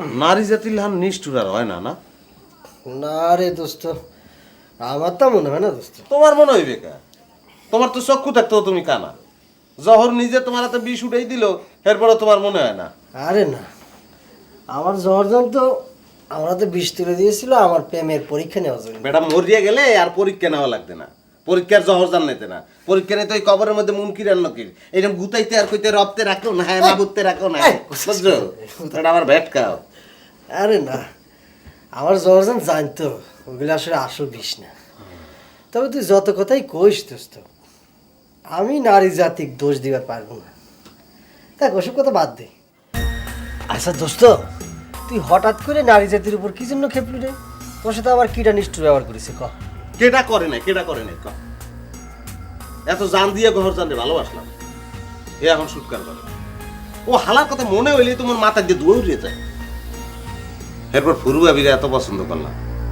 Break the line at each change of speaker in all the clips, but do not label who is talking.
নারী জাতির লান নিষ্ঠুর আর হয় না, না?
না রে দোস্ত, আমার তা মনে হয় না দোস্ত।
তোমার মনে হইবে কা? তোমার তো চক্ষু থাকতেও তুমি কানা। জহর নিজে তোমার হাতে বিষ উঠেই দিল, এরপরে তোমার মনে হয় না?
আরে না, আমার জর্জন তো আমার হাতে বিষ তুলে দিয়েছিল আমার প্রেমের পরীক্ষা নেওয়ার জন্য।
বেটা মরিয়া গেলে আর পরীক্ষা নেওয়া লাগবে না, পরীক্ষার জহর জান নিতে না। পরীক্ষা নিতে ওই কবরের মধ্যে মুনকির আর নকির এরকম গুতাইতে আর কইতে রপ্তে রাখো না, হ্যাঁ মাবুতে রাখো না, বুঝছো? এটা আমার ভ্যাট খাও।
আরে না, আমার জর্জন জানতো ওগুলো আসলে আসল বিষ না। তবে তুই যত কথাই কইস দোস্ত, আমি নারী জাতিক দোষ দিবার পারবো না। দেখ ওসব কথা বাদ দে। আচ্ছা দোস্ত, তুই হঠাৎ করে নারী জাতির উপর কি জন্য খেপলি রে? তোর সাথে আবার কিটা নিষ্ঠুর ব্যবহার করেছে ক?
কেটা করে নাই, কেটা করে নাই ক? এত জান দিয়ে ঘর জান রে ভালোবাসলাম, এ এখন সুৎকার করে। ও হালার কথা মনে হইলে তোমার মাথা দিয়ে ধুয়ে উড়িয়ে যায়। এরপর ফুরু ভাবিরা এত পছন্দ করলাম,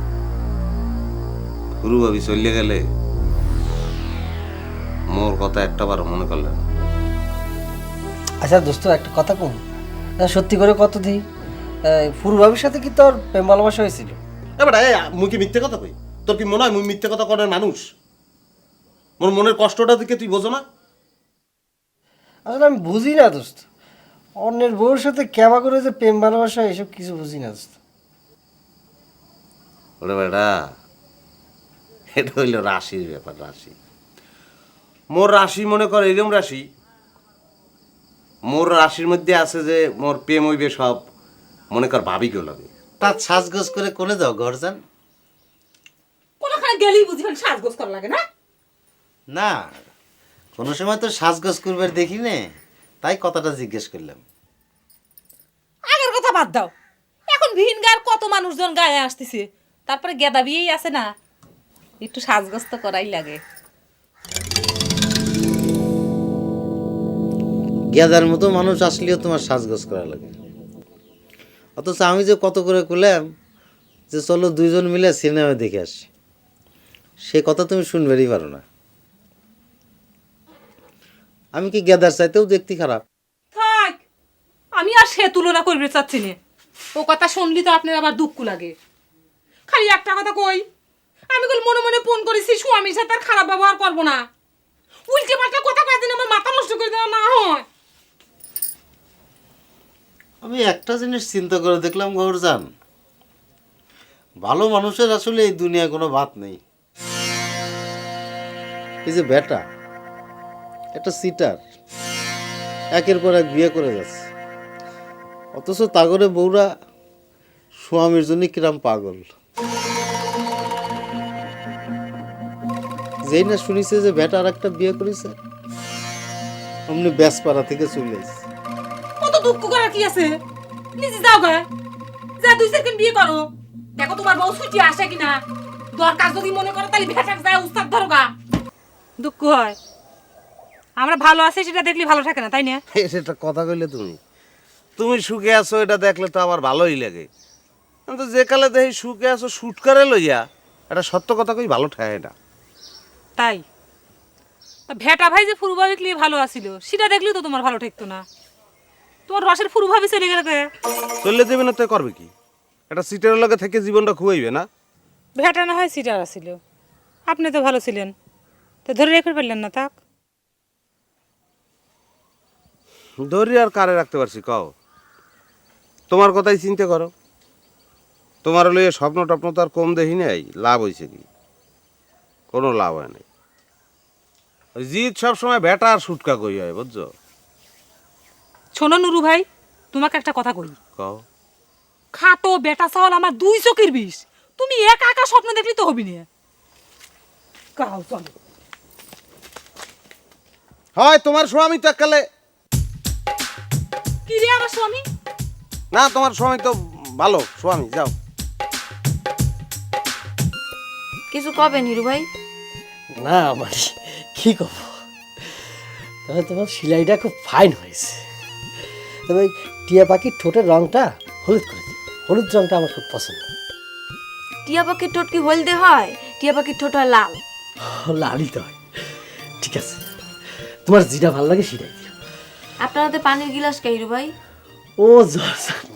ফুরু ভাবি চলে গেলে মোর কথা একটা বার মনে করলেন।
আচ্ছা দোস্ত, একটা কথা কম, সত্যি করে কত দিই, ফুরুভাবির সাথে কি তোর প্রেম ভালোবাসা হয়েছিল?
এবার মুই কি মিথ্যে কথা কই? তোর কি মনে হয় মুই মিথ্যে কথা করার মানুষ? মোর মনের কষ্টটা দিকে তুই বোঝো না?
আসলে আমি বুঝি না দোস্ত, অন্যের বউর সাথে কেমা করে যে প্রেম ভালোবাসা এসব কিছু বুঝি না দোস্ত।
ওরে বেটা, এটা হইল রাশির ব্যাপার, রাশি। মোর রাশি মনে কর এরকম রাশি, মোর রাশির মধ্যে আছে যে মোর প্রেম হইবে সব মনে কর ভাবি কেউ লাগে।
তার সাজগোজ করে কোলে যাও ঘর যান।
কোনখানে গেলেই বুঝি ফেল সাজগোজ করা লাগে না?
না, কোনো সময় তো সাজগোজ করবার দেখি নে, তাই কথাটা জিজ্ঞেস করলাম।
আগের কথা বাদ দাও, এখন ভিন গায়ের কত মানুষজন গায়ে আসতেছে, তারপরে গেদা বিয়েই আছে না, একটু সাজগোজ তো করাই লাগে।
গেদার মতো মানুষ আসলেও তোমার সাজগোজ করা লাগে, অথচ আমি যে কত করে করলাম যে চলো দুইজন মিলে সিনেমা দেখে আসি, সে কথা তুমি শুনবেরই পারো না। আমি কি গেদার চাইতেও দেখতে খারাপ?
থাক, আমি আর সে তুলনা করবে চাচ্ছি না। ও কথা শুনলি তো আপনার আবার দুঃখ লাগে। খালি একটা কথা কই, আমি কল মনে মনে ফোন করেছি স্বামীর সাথে আর খারাপ ব্যবহার করবো না। উল্টে পাল্টা কথা কয়ে দিন আমার মাথা নষ্ট করে দেওয়া না হয়।
আমি একটা জিনিস চিন্তা করে দেখলাম গৌরজান, ভালো মানুষের আসলে এই দুনিয়ায় কোনো বাত নেই। এই যে বেটা একটা সিটার, একের পর এক বিয়ে করে যাচ্ছে, অথচ তাগরে বউরা স্বামীর জন্য কিরাম পাগল। যেই না শুনিছে যে বেটা আর একটা বিয়ে করেছে, অমনি ব্যাসপাড়া থেকে চলে এসেছে।
কত দুঃখ করার কি আছে? নিজে যাও গে, যা 2 সেকেন্ড বিয়ে করো, দেখো তোমার বউ ছুটি আসে কিনা। দরকার যদি মনে করো তাহলে ভেটাক যায় উস্তাদ ধরো গা। দুঃখ হয়, আমরা ভালো আছি সেটা দেখলে ভালো থাকে না, তাই না?
সেটা কথা কইলে তুমি, তুমি সুখে আছো এটা দেখলে তো আমার ভালোই লাগে, কিন্তু যে কালে দেখি সুখে আছো শুট করে লইয়া, এটা সত্য কথা কই ভালো ঠায় না।
তাই তা ভেটা ভাই যে ফুরু ভাবি লিয়ে ভালো আছিল সেটা দেখলেও তো তোমার ভালো ঠেকতো না। তোমার রসের ফুরু ভাবি চলে গেলে কে?
চললে দেবে না তো করবে কি? এটা সিটের লগে থেকে জীবনটা খুয়াইবে না?
ভেটা না হয় সিটার আছিল, আপনি তো ভালো ছিলেন, তো ধরে রেখে পারলেন না তাক।
ধরি আর কারে রাখতে পারছি কও? তোমার কথাই চিন্তা করো, তোমার লইয়ে স্বপ্ন টপ্ন তো আর কম দেখি নাই, লাভ হয়েছে কি? কোনো লাভ হয় নাই। ওই জিত সবসময় ভেটা আর সুটকা কই হয়, বুঝছো?
শোনো নুরু ভাই, তোমাকে একটা কথা কই,
কও।
খাটো বেটা চাওয়াল আমার 2 চোখের বিষ। তুমি একা একা স্বপ্ন দেখলি তো হবি না। কাও চলো।
হয় তোমার স্বামী তো এককালে,
কি রে আমার স্বামী?
না তোমার স্বামী তো ভালো স্বামী, যাও।
কিছু কবে নিরু ভাই?
না মানে কি করবো, তবে তোমার সেলাইটা খুব ফাইন হয়েছে। তবে ওই টিয়া পাখির ঠোঁটের রংটা হলুদ করে দিই, হলুদ রংটা আমার খুব পছন্দ।
টিয়া পাখির ঠোঁট কি হলদে হয়? টিয়া পাখির ঠোঁট হয় লাল।
লালই তো হয়। ঠিক আছে, তোমার যেটা ভালো লাগে সেটাই দিও।
আপনার হাতে পানির গিলাস কে হিরু ভাই?
ও জর্জান,